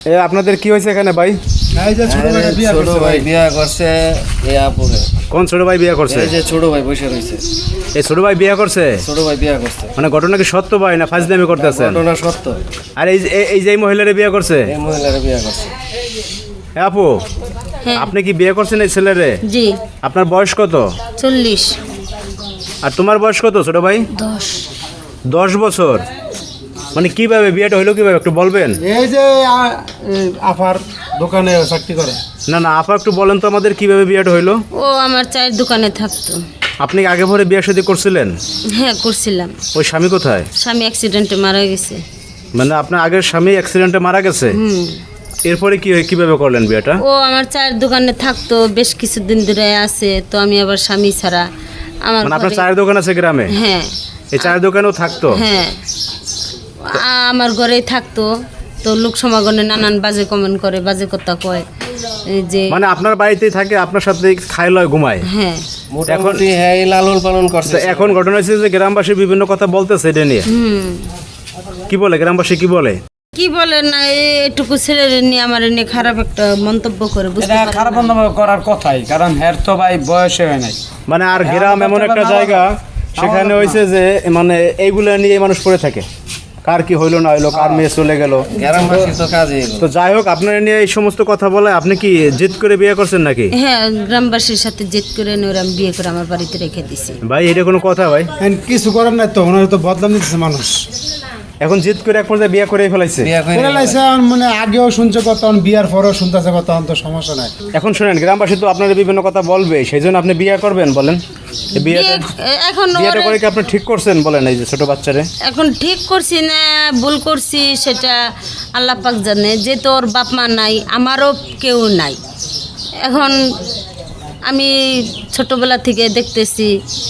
আপনাদের কি হয়েছে এখানে ভাই? এই যে ছোট ভাই বিয়া করছে এই আপুরে। কোন ছোট ভাই বিয়ে করছে? এই যে ছোট ভাই বসে রইছে। এই ছোট ভাই বিয়ে করছে? ছোট ভাই বিয়া করছে। মানে ঘটনা কি সত্য ভাই না ফাজলামি করতেছেন? ঘটনা সত্য। আর এই যে মহিলারে বিয়ে করছে? এই মহিলারে বিয়া করছে। আপু, আপনি কি বিয়ে করছেন এই ছেলেরে? জি। আপনার বয়স কত? 40। আর তোমার বয়স কত ছোট ভাই? 10। 10 বছর। মানে কিভাবে বিয়েটা হইলো, কিভাবে একটু বলবেন? এই যে আফার দোকানে চাকরি করে। না না আপা, একটু বলেন তো আমাদের কিভাবে বিয়েটা হইলো। ও আমার চায়ের দোকানে থাকতো। আপনি কি আগে পরে বিয়ে শাদী করছিলেন? হ্যাঁ করছিলাম। ওই স্বামী কোথায়? স্বামী অ্যাক্সিডেন্টে মারা গেছে। মানে আপনার আগের স্বামী অ্যাক্সিডেন্টে মারা গেছে? এরপরে কিভাবে করলেন বিয়েটা? ও আমার চায়ের দোকানে থাকতো, বেশ কিছুদিন ধরে আছে। তো আমি আবার স্বামী ছাড়া আমার মানে আপনার ঘরে- চায়ের দোকান আছে গ্রামে? হ্যাঁ এই চায়ের দোকানেও থাকতো? হ্যাঁ, আমার ঘরেই থাকতো। তো লোক সমাগমে নানান বাজে কমেন্ট করে, বাজে কথা কয়। এই যে মানে আপনার বাড়িতেই থাকে, আপনার সাথে খায় লয় ঘুমায়? হ্যাঁ। মোটামুটি হ্যাঁ এই লালন পালন করছে। তো এখন ঘটনা হচ্ছে যে গ্রামবাসী বিভিন্ন কথা বলতেছে এটা নিয়ে। কি বলে গ্রামবাসী, কি বলে? কি বলে না, এইটুকু ছেলের নিয়ে আমার নিয়ে খারাপ একটা মন্তব্য করে, বুঝতে এটা পারি খারাপ না। বন্ধ করার কথাই, কারণ হের তো ভাই বয়সে হয় নাই। মানে আর গ্রাম এমন একটা জায়গা, সেখানে হয়েছে যে মানে এইগুলা নিয়ে মানুষ পড়ে থাকে, কার কি হইলো না হইলো, কার মেয়ে চলে গেল। গ্রামবাসী তো কাজে তো যাই হোক, আপনার নিয়ে এই সমস্ত কথা বলে আপনি কি জিদ করে বিয়ে করছেন নাকি? হ্যাঁ, গ্রামবাসীর সাথে জেদ করে নিয়ে ওরা বিয়ে করে আমার বাড়িতে রেখে দিছি। ভাই এটা কোনো কথা ভাই? কিছু করার নাই তো, ওনার তো বদলাম দিতেছে মানুষ। এখন জিদ করে এক পর্যায়ে বিয়ে করে ফেলাইছে। বিয়া করে মানে আগেও শুনছে কথা, বিয়ার পরেও শুনতেছে কথা, তো সমস্যা নাই। এখন শুনেন, গ্রামবাসী তো আপনার বিভিন্ন কথা বলবে, সেই জন্য আপনি বিয়ে করবেন বলেন? এই বিয়েটা এখন বিয়েটা ওরে- করে কি আপনি ঠিক করছেন বলেন? এই যে ছোট বাচ্চারে এখন ঠিক করছি না ভুল করছি সেটা আল্লাহ পাক জানে। যে তোর বাপ মা নাই, আমারও কেউ নাই। এখন আমি ছোটবেলা থেকে দেখতেছি।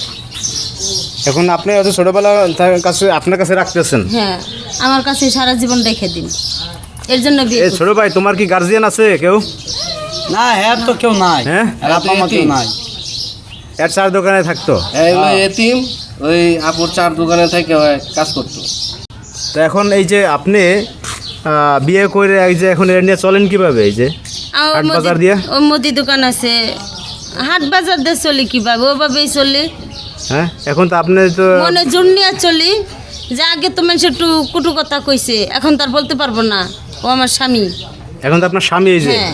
এখন আপনি হয়তো ছোটবেলা তার কাছে আপনার কাছে রাখতেছেন। হ্যাঁ, আমার কাছে সারা জীবন রেখে দিন, এর জন্য বিয়ে এই করছি। ছোট ভাই, তোমার কি গার্জিয়ান আছে কেউ? না, হের তো কেউ নাই। হ্যাঁ? হের আপা মা কেউ নাই। এর চার দোকানে থাকতো। এইগুলো এতিম, ওই আপুর চার দোকানে থেকে কাজ করতো। তো এখন এই যে আপনি বিয়ে করে এই যে এখন এর নিয়ে চলেন কিভাবে? এই যে আমার হাট বাজার দিয়া? ও মুদি দোকান আছে, হাট বাজার দিয়ে চলি কিভাবে, ওভাবেই চলি। হ্যাঁ, এখন তো আপনি তো মনে জোর নিয়ে চলি। যে আগে তো মানুষ একটু কুটু কথা কইছে, এখন তার বলতে পারবো না। ও আমার স্বামী। এখন তো আপনার স্বামী। এই যে হ্যাঁ।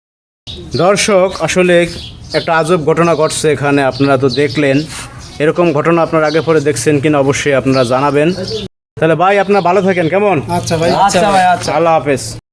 দর্শক, আসলে একটা আজব ঘটনা ঘটছে এখানে, আপনারা তো দেখলেন। এরকম ঘটনা আপনারা আগে পরে দেখছেন কিনা অবশ্যই আপনারা জানাবেন। তাহলে ভাই আপনারা ভালো থাকেন, কেমন? আচ্ছা ভাই। আচ্ছা ভাই, আচ্ছা। আল্লাহ হাফেজ।